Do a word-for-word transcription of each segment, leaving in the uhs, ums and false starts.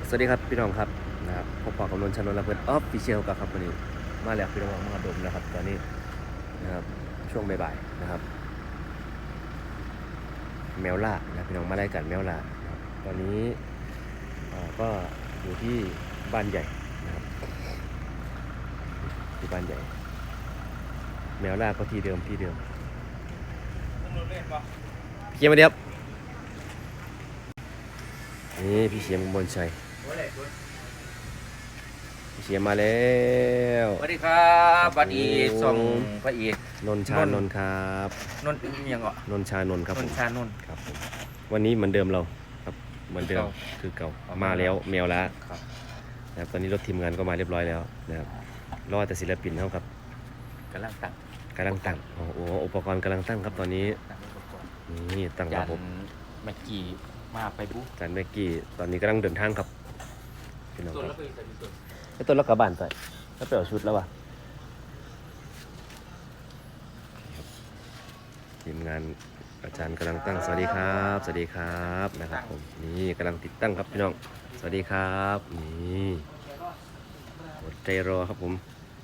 สวัสดีครับพี่น้องครับนะครับพบปะกับนนท์ชนนท์และเพื่อนออฟฟิเชียลกับครับวันนี้มาแล้วพี่น้องมาดมนะครับตอนนี้นะครับช่วงบ่ายๆนะครับแมวล่านะพี่น้องมาไล่กันแมวล่านะครับตอนนี้ก็อยู่ที่บ้านใหญ่นะครับที่บ้านใหญ่แมวล่าก็ที่เดิมที่เดิมพี่เชียงมาเดียบนี่พี่เชียงมนชัยเชียร์มาแล้วสวัสดีครับบัดอีส่งพระเอกนนชานนท์ครับนนยังเหรอนนชานนท์ครับนนชานนท์ครับผมวันนี้เหมือนเดิมเราครับเหมือนเดิมคือเก่ามาแล้วแมวละครับนะครับตอนนี้รถทีมงานก็มาเรียบร้อยแล้วนะครับรอแต่ศิลปินเท่าครับกำลังตั้งกำลังตั้งโอ้โหอุปกรณ์กำลังตั้งครับตอนนี้นี่ตั้งระบบเมื่อกี้มาไปบุ๊จานเมื่อกี้ตอนนี้กำลังเดินทางครับพี่น้องครับไอ้ต้นรักกระบานใส่แล้วไปเอาชุดแล้ววะทีมงานอาจารย์กำลังตั้งสวัสดีครับสวัสดีครับนะครับผมนี่กำลังติดตั้งครับพี่น้องสวัสดีครับนี่อดใจรอครับผม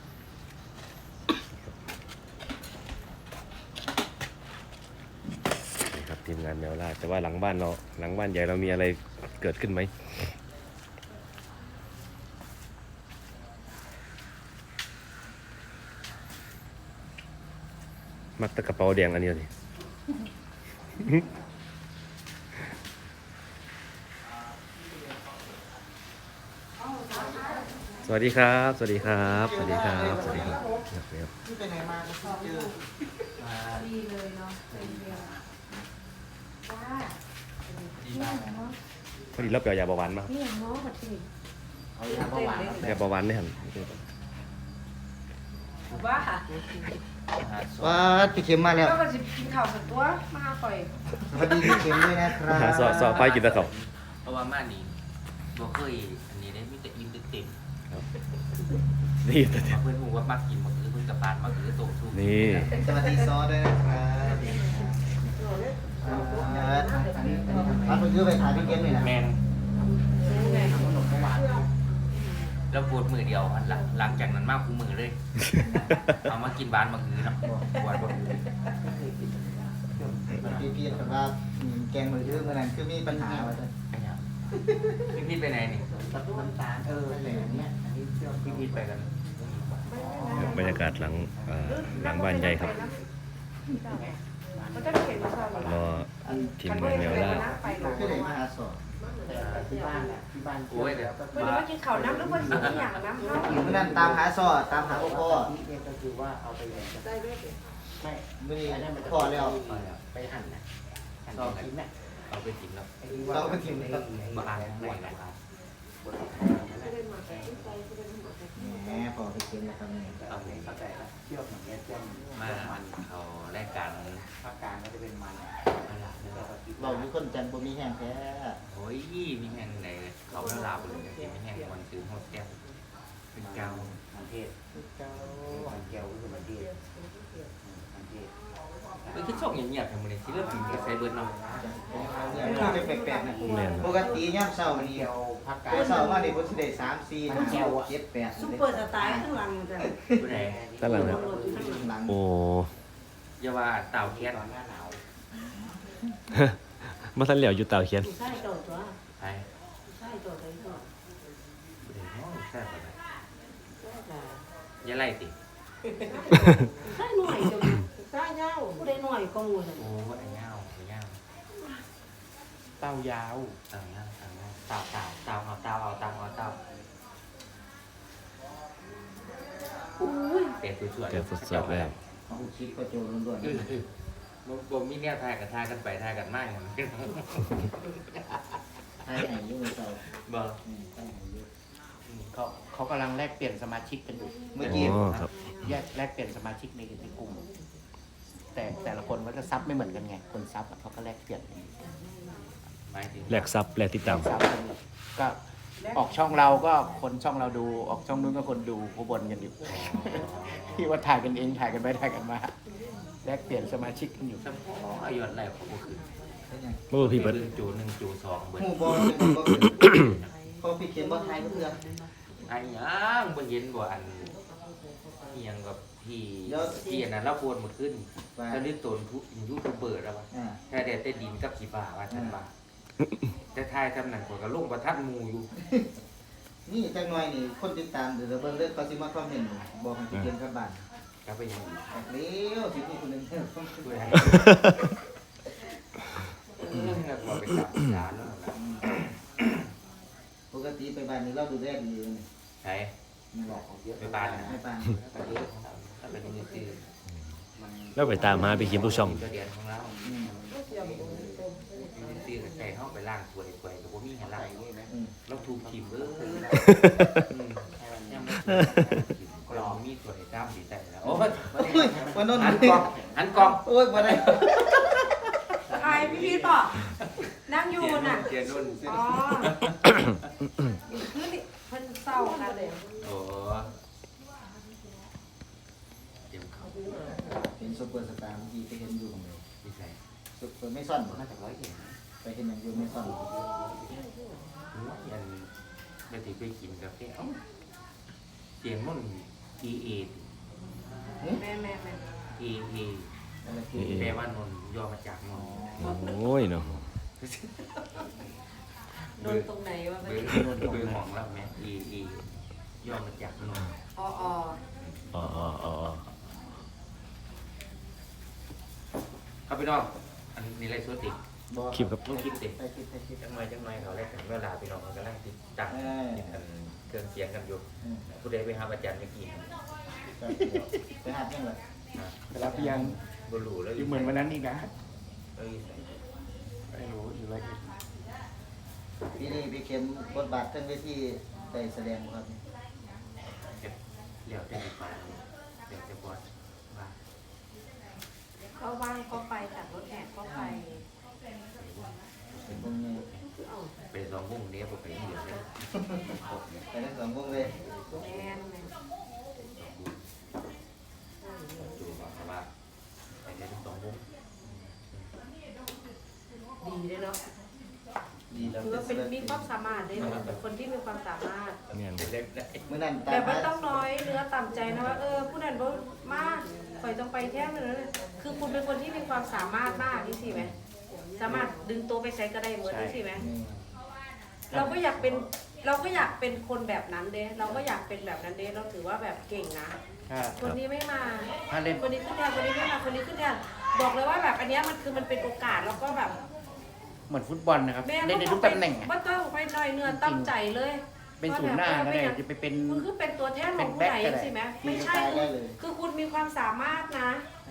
นี่ครับทีมงานแมวล่าแต่ว่าหลังบ้านเราหลังบ้านใหญ่เรามีอะไรเกิดขึ้นไหมมักตะกระเป๋าแดงอันนี้เลยสวัสดีครับ สวัสดีครับ สวัสดีครับ สวัสดีครับที่ไปไหนมาก็เจอดีเลยเนาะเป็นเดียวว้านี่อย่างเนาะพอดีเราเปล่ายาเบาหวานมานี่อย่างเนาะแบบนี้เอายาเบาหวานยาเบาหวานนี่ฮะว่าว่าพี่เข็มมาแล้วก็จะกินข้าวสักตัวมาหาข่อยสวัสดีพี่เข็มด้วยนะครับหาสอสอไฟกินตะเขาเพราะว่ามานี่บ่เคยอันนี้ได้มีแต่อิ่มเต็มนี่แต่เพื่อนพูดว่ามักกินมักคือเพื่อนกับปานมักคือโตทุกนี่สวัสดีซอด้วยนะครับอันนี้คือไปถ่ายพี่เข็มเลยนะแมนแล้วปวดมือเดียวหลังหลังจากนั้นมากคู่มือเลยเอามากินบานมาคือเนาะปวดปวดพี่พี่แต่ว่าแกงมือถือเมื่อนั้นคือมีปัญหาว่าจะพี่พี่ไปไหนนี่น้ำตาลเอออะไรอย่างเงี้ยอันนี้เชื่อพี่พี่ไปกันบรรยากาศหลังหลังบ้านใหญ่ครับรอทีมงานแมวล่าคือไหนมาหาสอบที่บ้านที่บ้านโอ้ยเดี๋ยววันนี้มากินข้าวน้ำหรือว่าสิ่งอย่างน้ำเนาะเมื่อนั้นตามหาสอบตามหาพ่อนี่ก็คือว่าเอาไปเลยได้ไหมไม่ไม่ได้พ่อแล้วไปหั่นนะหั่นชิ้นน่ะเอาไปกินแล้วเราไปกินครับมาอ่านม่วนแล้วแหมพอไปกินนะครับเนี่ยเอาเลยเข้าใจแล้วเชือกอย่างเงี้ยเส้นมาเขาแลกกันภาคกลางก็จะเป็นมันเรามีคนจันทร์บ่มีแห้งแท้โอ้ยมีแห้งไหนเขาแล้วลาไปเลยมีแห้งวันซื้อหมดแก้วเป็นเกามันเทศเจ้ามันแก้วคือมันเทศมันเทศมันคือช่องเงียบๆทำไมที่เริ่มถึงกระแสเบิร์นเราเนี่ยมันจะแปลกๆนะปกติย่ำเสาร์นี่ภาคกลางเสาร์มาเนี่ยผมสิได้สามสี่ห้าหกเจ็ดแปดซุปเปอร์สไตล์ข้างหลังจ้ะผู้ใดด้านหลังนะโอ้ยาว่าเต่าแคทหน้าหนาวมาทันเหลียวอยู่เต่าเขียนใช่ตัวตัวใช่ใช่ตัวตัวตัวใช่ป่ะยาไล่ติใช่หน่อยจังใช่เงาผู้ใดหน่อยก็งูเลยโอ้ไอ้เงาไอ้เงาเต้ายาวเต่าเงาเต่าเงาเต่าเต่าเต่าเอาเต่าเอาเต่าเอาเต่าอุ้ยเตะสวยๆเตะสดๆเลยเอาคิดก็โจรล้วนๆบ่มีแนวทายกันทายกันไปทายกันมากอย่างนี้ให้อายุเสาร์บ่เขาเขากำลังแลกเปลี่ยนสมาชิกกันอยู่เมื่อกี้แยกแลกเปลี่ยนสมาชิกในในกลุ่มแต่แต่ละคนก็จะซับไม่เหมือนกันไงคนซับเขาก็แลกเปลี่ยนแลกซับแลกติดตามก็ออกช่องเราก็คนช่องเราดูออกช่องนู้นก็คนดูผู้บนกันอยู่ที่ว่าถ่ายกันเองถ่ายกันไปถ่ายกันมาแลกเปลี่ยนสมาชิกกันอยู่อายุอะไรของพวกคือเมื่อพี่เบิร์ดจูหนึ่งจูสองเบิร์ดหมู่บอลเพราะพี่เขียนบ่ไทยเพื่อไอ้ยังบ่เห็นบ่อันเอียงกับพี่พี่อันนั้นเราโพนมาขึ้นแล้วนี่ตนยูทูบเบอร์แล้วว่าอ่าถ้าได้แต่ดินกับขี้ฟ้าว่าท่านว่าแต่ทายทำหนังกว่าก็ลงประทัดหมู่อยู่นี่จังหน่อยนี่คนติดตามเดี๋ยวเราเบิ่งเรื่องเขาสิมาคอมเมนต์บอกให้เขียนกลับบ้านก็ไปยังอีกแบบนี้สิมีคนหนึงเด้อช่วยให้เออแล้วก็ไปจับสารแล้วนะปกติไปบ้านนี้เราดูแลดีอยู่นี่ใช่ไม่หรอกไปบ้านนะไม่ปานก็เยอะถ้าเป็นมือซื้อมันแล้วไปตามมาไปคิมทุกช่องตัวเดียนของเราอืมมือซื้อกับใจเข้าไปล่างถ้วยถ้วยกับพวกนี้เห็นไรนี่ไหมอืมเราถูกขีมเบอร์ยังไม่ถูกกรองมีถ้วยด้ามดีใจแล้วโอ้ยโอ้ยวันนั้นหันกองหันกองโอ้ยบ่ได้ใครพี่พีทบอกนั่งอยู่น่ะเจียนุ่นอ๋อคือนี่เพิ่นเศร้ากันเลยโอ้เดี๋ยวเขาเห็นซุปเปอร์สตาร์เมื่อกี้ไปเห็นอยู่ของเราดีใจซุปเปอร์ไม่ซ่อนบ่น่าจะร้อยเองไปเห็นอย่างอยู่ไม่ซ่อนยันไปถือไปกินกาแฟเอ้าเสียงนุ่น E A แม่แม่แม่ E A อะไรคือแปลว่านนย่อมาจากนนโอ้ยเนาะโดนตรงไหนวะเบไม่อร์เบอร์ของเราแม่ E A ย่อมาจากนนอ๋ออ๋ออ๋ออ๋ออ๋อครับพี่น้องอันนี้ไรสวติบ่คลิปครับลูกคลิปติไปคิดไปคิดจังไรจังไรเขาแรกถึงเวลาพี่น้องเขากำลังติดตั้งเออติดกันเครื่องเสียงกันอยู่อืมผู้ใดไปหาอาจารย์เมื่อกี้ไปหาจังเลยไปรับยังบรูแล้วอยู่เหมือนวันนั้นอีกนะเอ้ยไม่รู้อยู่ไรอยเอ็ดปีนี้พี่เข็มบทบาททั้งเวทีได้แสดงบ่ครับเดี๋ยวจะไปฟังเดี๋ยวจะบอสว่าก็ว่างก็ไปแต่รถแห่ก็ไปเป็นวงนี้ไปสองวงเนี้ยผมไปเดียวเลยไปทั้งสองวงเลยแม่แม่จูบอกเขาว่าไปได้ทั้งสองวงดีเลยเนาะดีแล้วคือว่าเป็นมีความสามารถด้วยนะเป็นคนที่มีความสามารถเนี่ยเป็นเล็กได้มื้อนั้นแต่ไม่ต้องน้อยเนื้อต่ำใจนะว่าเออผู้นั้นบ่มากข่อยต้องไปแท้เลยนะคือคุณเป็นคนที่มีความสามารถมากนี่สิไหมสามารถดึงตัวไปใช้ก็ได้เหมือนนี่สิไหมนี่เราก็อยากเป็นเราก็อยากเป็นคนแบบนั้นเด้เราก็อยากเป็นแบบนั้นเด้เราถือว่าแบบเก่งนะถ้าคนนี้ไม่มาถ้าเล่นคนนี้ขึ้นแทนคนนี้ไม่มาคนนี้ขึ้นแทนบอกเลยว่าแบบอันเนี้ยมันคือมันเป็นโอกาสแล้วก็แบบเหมือนฟุตบอลนะครับแม่เล่นในทุกตำแหน่งอะว่าต้องไปหน่อยเนื้อตั้งใจเลยเป็นศูนย์หน้าก็ได้จะไปเป็นมันคือเป็นตัวแทนของผู้ใดใช่ไหมไม่ใช่คือคือคุณมีความสามารถนะ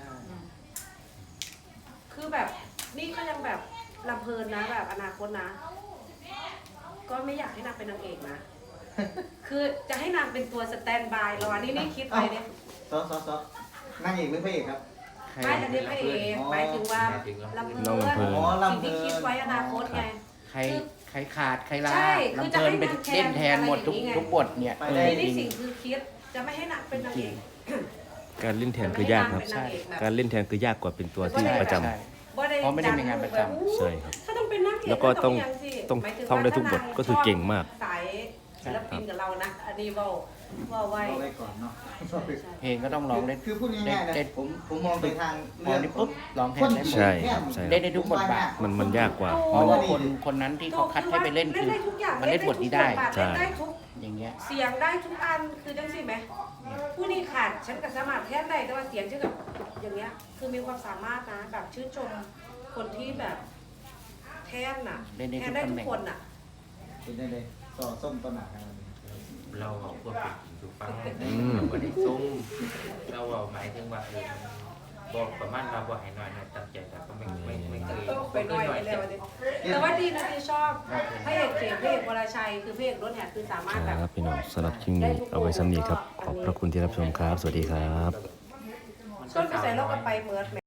คือแบบนี่ก็ยังแบบลำเพลินนะแบบอนาคตนะ ก็ไม่อยากให้นางเป็นนางเอกนะ คือจะให้นางเป็นตัวสแตนด์บายรอนี่นี่คิดไปเนี่ยซอซอซอนั่งเอกหรือพระเอกครับใครไม่อันนี้พระเอกหมายถึงว่าลำเพลินสิ่งที่คิดไว้อนาคตไงใครใครขาดใครลาใช่คือลำจะเพลิให้นเป็นนางแทนเล่นแทนหมดทุกอะไรอย่างงี้ไงทุกบทเนี่ยไปเอได้อนี่จริงสิ่งคือคิดจะไม่ให้นางเป็นนางเอกการเล่นแทนคือยากครับจะไม่ให้นงเป็นนางเอกแบบการเล่นแทนคือยากกว่าเป็นตัวที่ประจำใช่บ่ได้เพราะไม่ได้มีงานประจำใช่ครับถ้าต้องเป็นนักเอกแล้วก็ต้องย่าสิต้องหมายถึท่องได้ทุกบทว่าถ้านางก็คือเก่งมากสายศิลปินกับเรานะ อันนี้เว่าเว่าไว้เอาไว้ก่อนเนาะเพลงก็ต้องร้องได้คือพูดง่ายๆนะเล่นผมผมมองไปทางพอนี้ปุ๊บร้องแทนได้หมดใช่ครับใช่เล่นได้ทุกบทบาทมันมันยากกว่าเพราะว่าคนคนนั้นที่เขาคัดให้ไปเล่นคือได้ทุกอย่างมันเล่นบทนี้ได้ใช่เล่นได้ทุกอย่างเงี้ยเสียงได้ทุกอันคือจังสิไหมผู้นี้ขาดฉันก็สามารถแทนได้แต่ว่าเสียงฉันกับอย่างเงี้ยคือมีความสามารถนะแบบชื่นชมคนที่แบบแทนน่ะเล่นได้แททุนกได้ตำทุแหกน่งคนน่ะเป็นได้เลยซอส้มต้นหนาขนาดนี้เราเอาพวกเป็นถูกฟังอืมเราก็ได้ซุ้มเราเอาหมายถึงว่าเออบอกประมาณเราบอกให้หน่อยหน่อยตั้งใจแต่ก็ไม่ไม่ไม่เคยต้องไปหน่อยไปแล้วดิแต่ว่าดีนะที่ชอบพระเอกเสียงพระเอกวรชัยคือพระเอกรถแห่คือสามารถแบบครับพี่น้องสำหรับคลิปนี้เอาไว้สำนีครับ ขอบพระคุณที่รับชมครับ สวัสดีครับต้นไปใส่เราก็ไปเหมือน